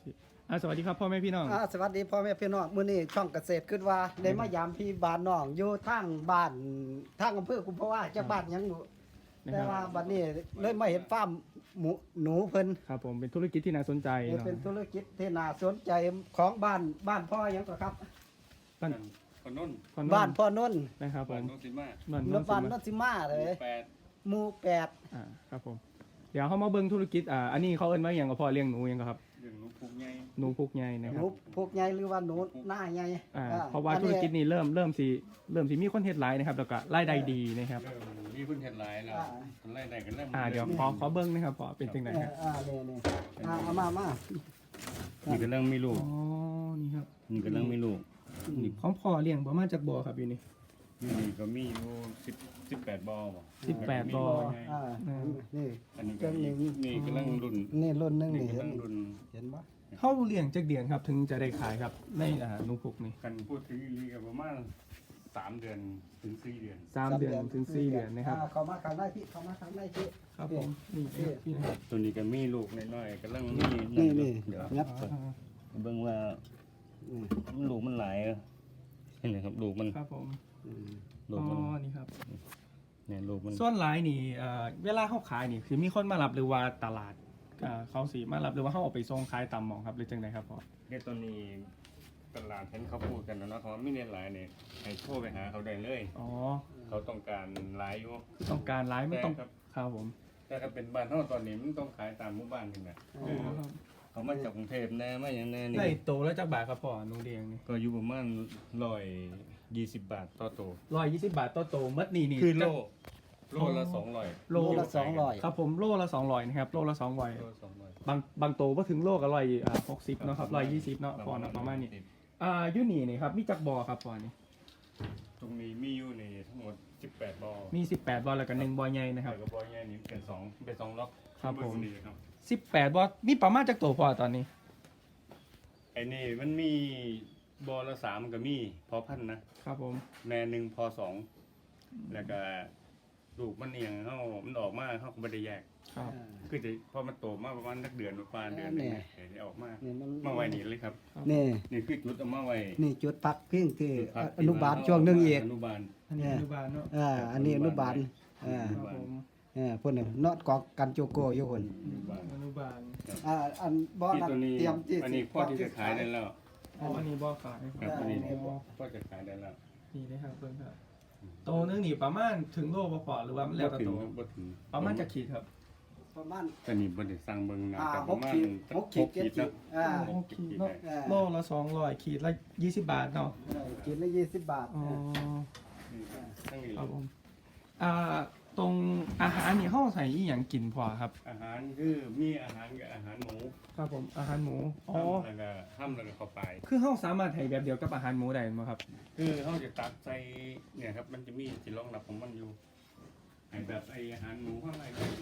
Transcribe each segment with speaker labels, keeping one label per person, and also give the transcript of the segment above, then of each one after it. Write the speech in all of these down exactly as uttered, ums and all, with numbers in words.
Speaker 1: อ่าสวัสดีครับพ่อแม่พี่น้อง
Speaker 2: อ่าสวัสดีพ่อแม่พี่น้องมื้อนี้ช่องเกษตรขึ้นว่าได้มายามพี่บ้านน้องอยู่ทางบ้านทางอำเภอกุมภาวะจักบ้านหยังหนูแต่ว่าบัดนี้เลยมาเห็นฟาร์มหมูหนูเพิ่น
Speaker 1: ครับผมเป็นธุรกิจที่น่าสนใจเนาะ
Speaker 2: เป็นธุรกิจที่น่าสนใจของบ้านบ้านพ่อหยังก็ครับ
Speaker 1: บ้าน
Speaker 3: คนนนท์
Speaker 1: คน
Speaker 2: บ้านพ่อนนท์
Speaker 1: นะครับผ
Speaker 3: บ้าน
Speaker 1: ม
Speaker 3: โนนสิมา
Speaker 1: บ้าน
Speaker 2: น
Speaker 1: โน้น
Speaker 2: บ้าน
Speaker 1: สิ
Speaker 2: น
Speaker 1: มาน
Speaker 2: สิมาเลย
Speaker 3: แปด
Speaker 2: หมู่แปด
Speaker 1: อ่าครับผมเดี๋ยวเขามาเบิ่งธุรกิจอ่าอันนี้เขาเอิ้นว่าอย่างกับพ่อเลี้ยงหนูอย่างกับครับ
Speaker 3: เรื่องหนูผูกใหญ่
Speaker 1: หนูพุกใหญ่นะ
Speaker 2: ห
Speaker 1: ครั
Speaker 2: นู
Speaker 1: บ
Speaker 2: พวกใหญ่หรือว่าหนูหน้าใหญ่
Speaker 1: อ่า
Speaker 2: อ่
Speaker 1: เพราะว่าธุรกิจนี้เริ่มเริ่มสิเริ่มสิมีคนเฮ็ดหลายนะครับแล้วก็รายได้ดีนะครับ
Speaker 3: เริ่มมีพื้นเห็ดหลายแล้วคนไล่ได้กันเริ่ม
Speaker 1: อ่าเดี๋ยวขอขอเบิ่งนะครับพ่อเป็นจังได
Speaker 2: เอ
Speaker 1: ค
Speaker 2: อ
Speaker 1: รับ
Speaker 2: อ่านี่นี่อ่าเอามามา
Speaker 3: นี่กำลังมีลูก
Speaker 1: อ๋อนี่ครับ
Speaker 3: นี่กำลังมีลูกนี่
Speaker 1: ของพ่อเลี้ยงประมาณจักบ่อครับอยู่นี่
Speaker 3: นี่ก็มีอยู่สิบสิบแปดบ่อบ่
Speaker 1: สิบแปดบ่อ
Speaker 2: อ่านี่
Speaker 3: อันนี้
Speaker 2: เครื่
Speaker 3: ก็
Speaker 2: องนี้
Speaker 3: นี่กำลังรุ่น
Speaker 2: นี่รุ่นหนึง
Speaker 3: นี่
Speaker 2: นี่เห็น
Speaker 3: กำลังรุ่น
Speaker 2: เห็นบ่
Speaker 1: เฮาเลี้ยงจักเดือนครับถึงจะได้ขายครับในอ่าหนูพุกนี่
Speaker 3: กันพูดถึงอีลีก็ประมาณสามเดือนถึงสี่เดือน
Speaker 1: สามเดือนถึงสี่เดือนนะครับ
Speaker 2: อ่าเข้ามาข้างในพี่เข้ามาข้างในพี่
Speaker 1: ครับผมนี่พี่นะครับ
Speaker 3: ตัวนี้ก็มีลูกน้อยๆกำลังมี
Speaker 2: นี่นี่
Speaker 3: เดี๋ยว
Speaker 2: งับ
Speaker 1: อ่า
Speaker 3: เบิ่งว่า
Speaker 2: อืม
Speaker 3: ลูกมันหลายเออเห็นไหมครับลูกมัน
Speaker 1: ครับผม
Speaker 2: อืม
Speaker 3: ลู
Speaker 1: อ๋
Speaker 3: กมัน
Speaker 1: อนี่ครับ
Speaker 3: เนี่ยลูกมัน
Speaker 1: ส่วนหลายนี่เอ่อเวลาเขาขายนี่คือมีคนมารับหรือว่าตลาดเอ่อเขาสีมารับหรือว่าเขาเอาไปส่งขายตามหมองครับหรือจังไดครับพ่อ
Speaker 3: เนี่ยตอนนี้ตลาดเห็นเขาพูดกันนะเนาะเขาว่าไม่เน้นหลายเนี่ยให้โทรไปหาเขาได้เลย
Speaker 1: อ๋อ
Speaker 3: เขาต้องการหลายอยู่
Speaker 1: ต้องการหลายไม่ต้อง
Speaker 3: ครับ
Speaker 1: ครับผม
Speaker 3: แต่ถ้าเป็นบ้านเฮาตอนนี้มันต้องขายตามหมู่บ้านกันนะ
Speaker 1: อ๋อ
Speaker 3: คือ
Speaker 1: ครับ
Speaker 3: เขามาจากกรุงเทพแน่มาอย่างแน่นี่
Speaker 1: ได้โตแล้วจากบาทครับพ่อหนูเดียงนี่
Speaker 3: ก็อยู่ประมาณร้อยยี่สิบบาทต่อโตว
Speaker 1: ร้อยยี่สิบบาทต่อโตมัดนี่นี่
Speaker 3: คือโล
Speaker 1: จะ
Speaker 3: โลละสองร้อย
Speaker 1: โล
Speaker 2: โลละสองร้อย
Speaker 1: ครับผมโลละสองร้อยนะครับโลละสองร้อย
Speaker 3: โลละสองร้อย
Speaker 1: บางบางโตก็ถึงโลก็ร้อยอ่าหกสิบเนาะครับร้อยยี่สิบเนาะพ่อเนาะประมาณนี้อ่าอยูนี่นี่ครับมีจักบอครับพ่อนี่
Speaker 3: ตรงนี้มีอยู่ในทั้งหมดสิบแปดบ่อ
Speaker 1: มีสิบแปดบอแล้วก็หนึ่งบอใหญ่นะครับ
Speaker 3: แล้วก็บ่อใหญ่นี่เป็นสองเป็นสองล็อก
Speaker 1: ครับผม
Speaker 3: เงนี้ครับ
Speaker 1: สิบแปดบอมีประมาณจักโตพ่อตอนนี้
Speaker 3: ไอ้นี่มันมีบ่อละสามก็มีพอพันธุ์นะครับ
Speaker 1: ผม
Speaker 3: แม่หนึ่งพอสองแล้วก็ลูกมันเอียงเขามันออกมาเขาก็ไม่ได้แยก
Speaker 1: ครับ
Speaker 2: อ่า
Speaker 3: คือจะพอมันโตมาประมาณนักเดือนประมาณเดือนหนึง
Speaker 2: แน่
Speaker 3: เนี่ยเดี๋ยวจะออกมา
Speaker 2: นี่มัน
Speaker 3: มาไว้นี่เลยครับ
Speaker 2: นี่
Speaker 3: นี่คือจุดเอามาไว้
Speaker 2: นี่จุดพักพิงที่
Speaker 3: จุดพัก
Speaker 2: อนุบาลช่วงหนึงอีก
Speaker 3: อนุบาล
Speaker 1: อันนี้อนุบาลเนาะ
Speaker 2: อ่าอันนี้อนุบาลอ่า
Speaker 1: ครับผม
Speaker 2: อ่าพุ่นน่ะเนาะกอกกันโจโกอยู่พุ่น
Speaker 3: อนุบาล
Speaker 1: อนุบาล
Speaker 2: อ่าอันบ่อ
Speaker 3: ที่
Speaker 2: นั้น
Speaker 3: ตัวนี้
Speaker 2: เตรียมที่
Speaker 3: อันนี้พ่อที่จะขายได้แล้ว
Speaker 1: อ๋ออันนี้บอขาย
Speaker 3: ครับอันนี้
Speaker 1: อ๋อ
Speaker 3: พ่อจะขายได้แล้ว
Speaker 1: นี่นะครับเพิ่นครับโตนึงนี่ประมาณถึงโลบ่พอหรือว่ามันแล้วแต่
Speaker 3: ถึ
Speaker 1: โต
Speaker 3: งบ่ถึง
Speaker 1: ประมาณจะขีดครับ
Speaker 2: ประมาณ
Speaker 3: แต่นี่บ่ได้สั่งเบิ่งนะ
Speaker 2: อ่า
Speaker 3: แต่
Speaker 2: ห
Speaker 3: ประ
Speaker 2: ก
Speaker 3: มาณ
Speaker 2: ขีดหกขีด
Speaker 3: หกขีด
Speaker 2: เจ็ดขีด
Speaker 3: นะ
Speaker 2: อ่า
Speaker 1: โอเคเนาะ
Speaker 2: อ่า
Speaker 1: โลละสองร้อยขีดละยี่สิบบาทเนาะ
Speaker 2: เออขีดละยี่สิบบาท
Speaker 1: อ๋อ
Speaker 3: นี่ทั้งนี้
Speaker 1: ครับผมอ่าตรงอาหารนี่เฮาใส่อีหยังกินพอครับ
Speaker 3: อาหารคือมีอาหารกับอาหารหมู
Speaker 1: ครับผมอาหารหมูอ๋อ
Speaker 3: แล้วก็ห้ามแล้วก็เข้าไป
Speaker 1: คือเฮาสามารถให้แบบเดียวกับอาหารหมูได้มั้ยครับ
Speaker 3: คือเขาจะตักใส่เนี่ยครับมันจะมีที่รองรับของมันอยู่ไอแบบไออาหารหมูข้างใน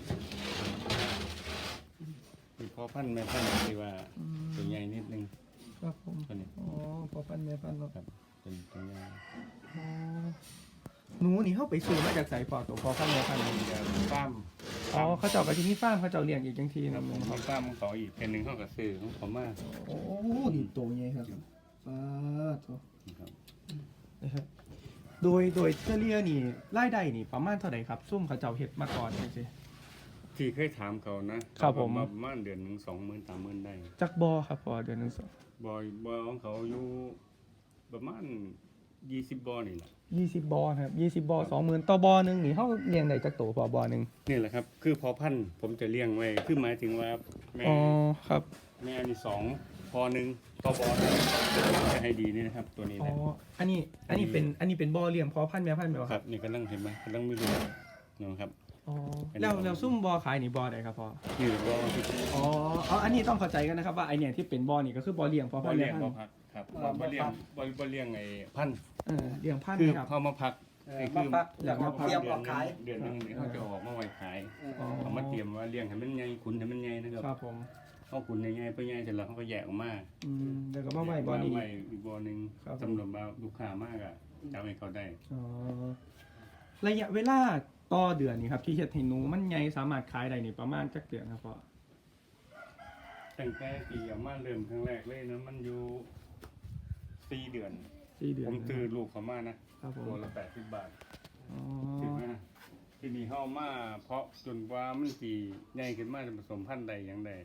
Speaker 3: มีพอพันธุ์แม่พันธุ์ที่ว่าตัวใหญ่นิดนึง
Speaker 1: ครับผม
Speaker 3: ตัวนี้
Speaker 1: อ๋อพอพันแม่พันเนาะ
Speaker 3: ครับเป็นตัวใหญ่
Speaker 1: อ๋อหนูนี่เฮาไปซื้อมาจากไสพอตัวพอพันแม่พันนี่
Speaker 3: เดี๋ยวฟ้าร์ม
Speaker 1: อ๋อเขาเจ้าก็สิมีฟาร์มเขาเจ้าเลี้ยงอีกจังที
Speaker 3: ค
Speaker 1: นึ
Speaker 3: รับ
Speaker 1: ง
Speaker 3: ผม
Speaker 1: นะค
Speaker 3: มี
Speaker 1: รับ
Speaker 3: ฟ้าร์มของเขาอีกเป็นหนึ่งเขาก็ซื้อของเขามา
Speaker 1: โอ้นี่โตใหญ่ครับป้าโต
Speaker 3: ครับ
Speaker 1: นะครับโดยโดยเฉลี่ยนี่รายได้นี่ประมาณเท่าไหร่ครับซุ่มเขาเจ้าเฮ็ดมาก่อนจังซี่
Speaker 3: ที่เคยถามเขานะครับ
Speaker 1: ผม
Speaker 3: เขาบอกว่าประมาณเดือนหนึ่งสองหมื่นสามหมื่นได้
Speaker 1: จักบ่ครับพอเดือนหนึง
Speaker 3: บอยบอยของเขาอยู่ประมาณยี่สิบบอนี่แหละ
Speaker 1: ยี่สิบบ่อครับยี่สิบบ่อสองหมื่นต่อบ่อหนึงนี่เฮาเลี้ยงได้จักโตพอบ่อหนึง
Speaker 3: นี่แหละครับ คือพอพันธุ์ผมจะเลี้ยงไว้คือหมายถึงว่าแม่
Speaker 1: อ๋อครับ
Speaker 3: แม่มีสองพอหนึ่งต่อบอลจะให้ดีนี่นะครับ ตัวนี้
Speaker 1: อ๋อ
Speaker 3: นะ
Speaker 1: อันนี้อันนี้เป็นอันนี้เป็นบ่อเลี้ยงพอพันธุ์แม่พันธุ์แม่นบ่
Speaker 3: ค
Speaker 1: ค
Speaker 3: รั
Speaker 1: รั
Speaker 3: บบ นี่กำลังเห็นไหมกำลังไม่รู้นะครับ
Speaker 1: อ๋อ
Speaker 3: อันนี้
Speaker 1: แล้วแล้วซุ่มบ่อขายนี่บ่อใดครับพ่อ
Speaker 3: นี่บอลที่
Speaker 1: อ๋อเอาอันนี้ต้องเข้าใจกันนะครับว่าไอเนี่ยที่เป็นบ่อนี่ก็คือบ่อเลี้ยงพอบ พั
Speaker 3: อน ล
Speaker 1: ธุ์
Speaker 3: เลี้
Speaker 1: แม่
Speaker 3: ยง
Speaker 1: พัน
Speaker 3: บอล
Speaker 1: ธุ์
Speaker 3: พักครับบอลบอลเลี้ยงบอลบอลเลี้ยงไอ้พันธุ์
Speaker 1: เออเลี้ยงพันธุ์
Speaker 3: คือ
Speaker 1: ครับ
Speaker 3: เขามาพัก
Speaker 2: เออ
Speaker 3: ไอ้
Speaker 2: มา
Speaker 3: คือ
Speaker 2: พัก
Speaker 1: อยากมาพัก
Speaker 2: เตรียมออกขาย
Speaker 3: เดือนหนึงเดี๋ยวเขาจะออกมาไว้ขาย
Speaker 2: เออ
Speaker 1: อ๋อ
Speaker 3: เขามาเตรียมว่าเลี้ยงให้มันใหญ่ขุนให้มันใหญ่นะครับ
Speaker 1: ครับผม
Speaker 3: เขาขุนใหญ่ๆไปใหญ่เสร็จแล้วเขาก็แยกออกมา
Speaker 1: อืมแล้วก็มาไว้บ่อนี้
Speaker 3: ไว้อีกบ่อหนึ่ง
Speaker 1: ครับผม
Speaker 3: สำหรับว่าลูกค้ามากอ่ะจะเอาให้เขาได้
Speaker 1: อ๋อระยะเวลาต่อเดือนนี่ครับที่เฮ็ดให้หนูมันใหญ่สามารถขายได้นี่ประมาณจักเดือนครับพ่อ
Speaker 3: ตั้งแต่ปีเอามาเริ่มครั้งแรกเลยนะมันอยู่สี่เดือน
Speaker 1: สี่เดือน
Speaker 3: ผมซื้อลูกเขามานะครับ
Speaker 1: ผม
Speaker 3: ตัวละแปดสิบบาท
Speaker 1: อ๋อ
Speaker 3: ซื้อมาที่นี่เฮามาเพาะจนกว่ามันสิใหญ่ขึ้นมาจะผสมพันธุ์ใดอย่างใด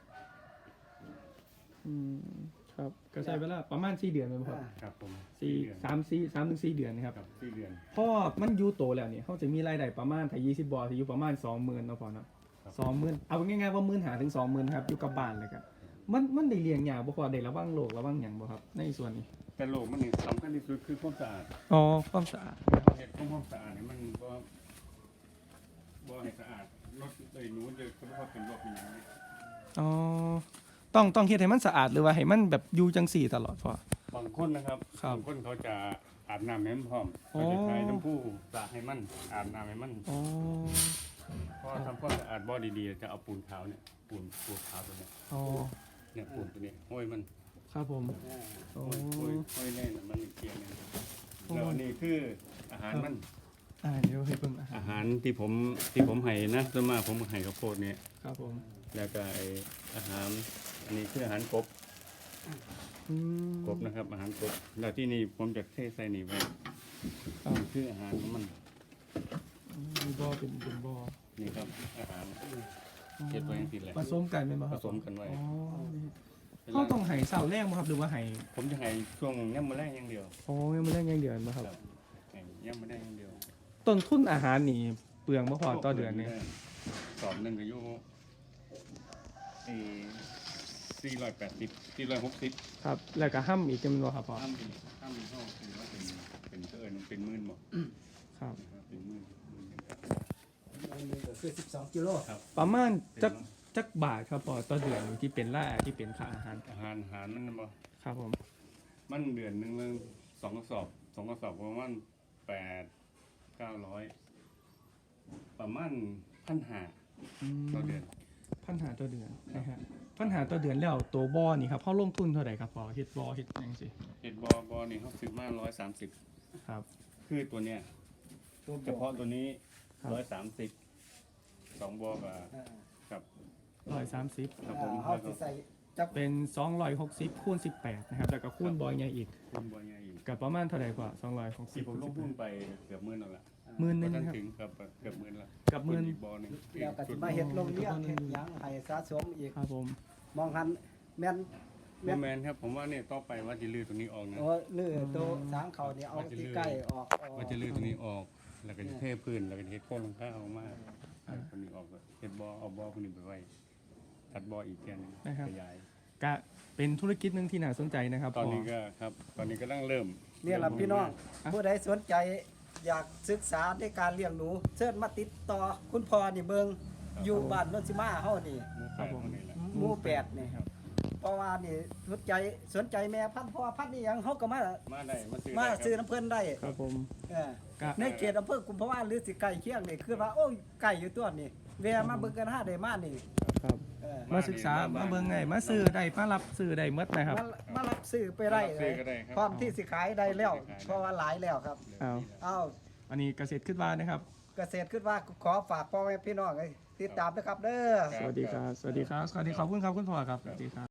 Speaker 1: อืมครับก็ใช้เวลาประมาณสี่เดือนไหมครับ
Speaker 3: ครับผม
Speaker 1: สี่
Speaker 3: เดือน
Speaker 1: สามสี่สามถึงสี่เดือนนะครับ
Speaker 3: ครับสี่เดือน
Speaker 1: พอมันอยู่โตแล้วเนี่ยเขาจะมีรายได้ประมาณถ้ายี่สิบบอจะอยู่ประมาณสองหมื่นเนาะพอเนาะ
Speaker 3: ครับ
Speaker 1: สองหมื่นเอาง่ายๆว่าหมื่นหาถึงสองหมื่นครับอยู่กับบ้านเลยครับมันมันได้เลี้ยงยากบ่พอได้ระวังโรคระวังหยังบ่ครับในส่วนนี้
Speaker 3: แต่โลกมันนี่สำคัญที่สุดคือความสะอาด
Speaker 1: อ๋อความสะอาด
Speaker 3: เฮ็ดความสะอาดนี่มันบ่บ่ให้สะอาดรถเลยหนูจะก็บ่ว่าเป็นโรคอย่างนี้
Speaker 1: อ๋อต้องต้องเฮ็ดให้มันสะอาดหรือว่าให้มันแบบอยู่จังสี่ตลอดพอบ
Speaker 3: างคนนะครับ
Speaker 1: ครับ
Speaker 3: บางคนเขาจะอาบน้ำให้มันพร้อม
Speaker 1: อ๋อ
Speaker 3: เขาจะใช้น้ำผู้สระให้มันอาบน้ำให้มัน
Speaker 1: อ๋อ
Speaker 3: เพราะทำความสะอาดบ่อดีๆจะเอาปูนขาวเนี่ยปูนปูนขาวตัวเนี้ย
Speaker 1: อ๋อ
Speaker 3: เนี่ยปูนตัวนี้ห้อยมัน
Speaker 1: ครับผมโอ้
Speaker 3: ห้อยห้อยห้อยแน่นมันเกลียงเนี่ยแล้วอันนี่คืออาหารมัน
Speaker 1: อ่าเดี๋ยวให้เบิ่งอาหาร
Speaker 3: อาหารที่ผมที่ผมให้นะส่วนมากผมให้ข้าวโพดเนี่ย
Speaker 1: ครับผม
Speaker 3: แล้วก็ไอ้อาหารอันนี้คืออาหารกบ
Speaker 1: อืม
Speaker 3: กบนะครับ อาหารกบแล้วที่นี่ผมจะเทใส่นี่ไว้
Speaker 1: ครับ
Speaker 3: นี่คืออาหารของมัน
Speaker 1: มีบ่อเป็นเป็นบ่อ
Speaker 3: นี่ครับอาหารเก็บไว้อย่างที่แหละ
Speaker 1: ผสมกันเป็นบ่ค
Speaker 3: ผ
Speaker 1: รับ
Speaker 3: สมกันไว้
Speaker 1: อ๋อเขาต้องให้เสาแรกบ่ครับหรือว่าให้
Speaker 3: ผมจะให้ช่วงย่ำมาแรกอย่างเดียว
Speaker 1: โอ้ยังไม่ได้ยังเดือนบ่ครับ
Speaker 3: ครับให้ย่ำมาแรกอย่างเดียว
Speaker 1: ต้นทุนอาหารนี่เปลืองบ่พอต่อเดือนนี่
Speaker 3: สอบหนึ่งก็อยู่เอสี่ร้อยแปดสิบสี่ร้อยหกสิบ
Speaker 1: ครับ แล้วก็ห้ำอีกจำนวนครับพ่อ
Speaker 3: ห้ามเป็นห้ามเป็นห้องคือว่าเป็นเป็นเกินเป็นหมื่นหมด
Speaker 1: ครับ
Speaker 3: นะครับเป็นหมื่นหมื่นครับ
Speaker 2: อันนี้ก็คือสิบสองกิโล
Speaker 3: ครับ
Speaker 1: ประมาณจักจักบาทครับพ่อต่อเดือนที่เป็นรายได้ที่เป็นค่าอาหาร
Speaker 3: อาหารอาหารมันบ่
Speaker 1: ครับผม
Speaker 3: มันเดือนหนึ่งมันสองกระสอบสองกระสอบประมาณแปดเก้าร้อยประมาณพันห้า
Speaker 1: อืม
Speaker 3: ต่อเดือน
Speaker 1: พันหาต่อเดือนนะฮะพันหาต่อเดือนแล้วตัวบ่อนี่ครับเขาลงทุนเท่าไหร่ครับพ่อเฮ็ดบ่อเฮ็ดหยังสิ
Speaker 3: เห็ดบอบอนี่เขาซื้อมาร้อยสามสิบ
Speaker 1: ครับ
Speaker 3: คือตัวเนี้ยเฉพาะตัวนี้
Speaker 1: ครับ
Speaker 3: ร้อยสามสิบสองบอกั
Speaker 2: อ่า
Speaker 3: กับ
Speaker 1: ร้อยสามสิบ
Speaker 3: ครับผม
Speaker 2: เขาสิใส่จัก
Speaker 1: เป็นสองร้อยหกสิบคูณสิบแปดนะครับแล้วก็คูณบ่อใหญ่อีก
Speaker 3: คุณบอยใหญ่อีก
Speaker 1: กับประมาณเท่าไหร่พ่อสองร้อยหกสิ
Speaker 3: ที่
Speaker 1: บ
Speaker 3: ผมลงทุนไปเกือบหมื่นแล้วล่ะ
Speaker 1: หมื่นหนึง
Speaker 3: บ่ทั
Speaker 1: ครับ
Speaker 3: ถึงครับเกือบหมื่นละ
Speaker 1: กับหมื่น
Speaker 3: อีกบอหนึง
Speaker 2: แล้วก็สิมาเฮ็ดโรงเรียนเฮ็ดหยังให้สะสมอีก
Speaker 1: ครับผม
Speaker 2: มองหันแม่น
Speaker 3: โมแมนครับผมว่าเนี่ยต่อไปว่าจะลื้อตรงนี้ออกนะ
Speaker 2: โอ้ลือโตสางเขานี่เอาที่ใกล้ออกออก
Speaker 3: ว่าจะลื้อตรงนี้ออก แล้วก็จะเทพื้นแล้วก็จะเฮ็ดโครงหลังคาออกมาเอาตรงนี้ออกก็เฮ็ดบอเอาบอคนนี้ไปไว้ตัดบออีกแค่นึงขยาย
Speaker 1: ก็เป็นธุรกิจหนึ่งที่น่าสนใจนะครับ
Speaker 3: ตอน
Speaker 1: พ่อ
Speaker 3: นี้ก็ครับ ตอนนี้ก็ตั้งเริ่ม
Speaker 2: เนี่ยล่ะพี่น้อง
Speaker 1: อ่ะ
Speaker 2: ผู้ใดสนใจอยากศึกษาในการเลี้ยงหนูเชิญมาติดต่อคุณพ่อนี่เบิงอยู่บ้านโนนสิมาเฮานี่
Speaker 3: ครับผมนี่แหละ
Speaker 2: หมู่แปดนี่ครับเพราะว่านี่สนใจสนใจแม่พันธุ์พ่อพันธุ์นี่หยังเฮาก็มา
Speaker 3: มาได้มาซื้อ
Speaker 2: มา
Speaker 3: ได้ครับ
Speaker 2: ซื้อน้ำเพิ่นได้
Speaker 1: ครับผม
Speaker 2: เออ
Speaker 1: ก็
Speaker 2: ในเขตอำเภอกุมภาวะหรือสิไก่เคียงนี่คือว่าโอ้ยไก่อยู่ตัวนี่แวะมาเบิ่งกันหาได้มานี่
Speaker 1: ครับ
Speaker 2: เออ
Speaker 1: มาศึกษามาเบิ่งไงมาซื้อได้มารับซื้อได้หมดนะครับ
Speaker 2: มามารับซื้อไปได้
Speaker 3: รับ
Speaker 2: เล
Speaker 3: ซื้อย ก็ได้ครับ
Speaker 2: พร้อมที่สิขายได้แล้ว
Speaker 3: ขายได้
Speaker 2: เพราะว่าหลายแล้วครับ
Speaker 1: เอา
Speaker 2: เอ้า
Speaker 1: อันนี้เกษตรขึ้นมานะครับ
Speaker 2: เกษตรขึ้นว่าขอฝากพ่อแม่พี่น้องให้ติดตามนะครับเด้อ
Speaker 1: สวัสดีครับ สวัสดีครับ สวัสดีขอบคุณครับคุณพ่อครับ สวัสดีครับ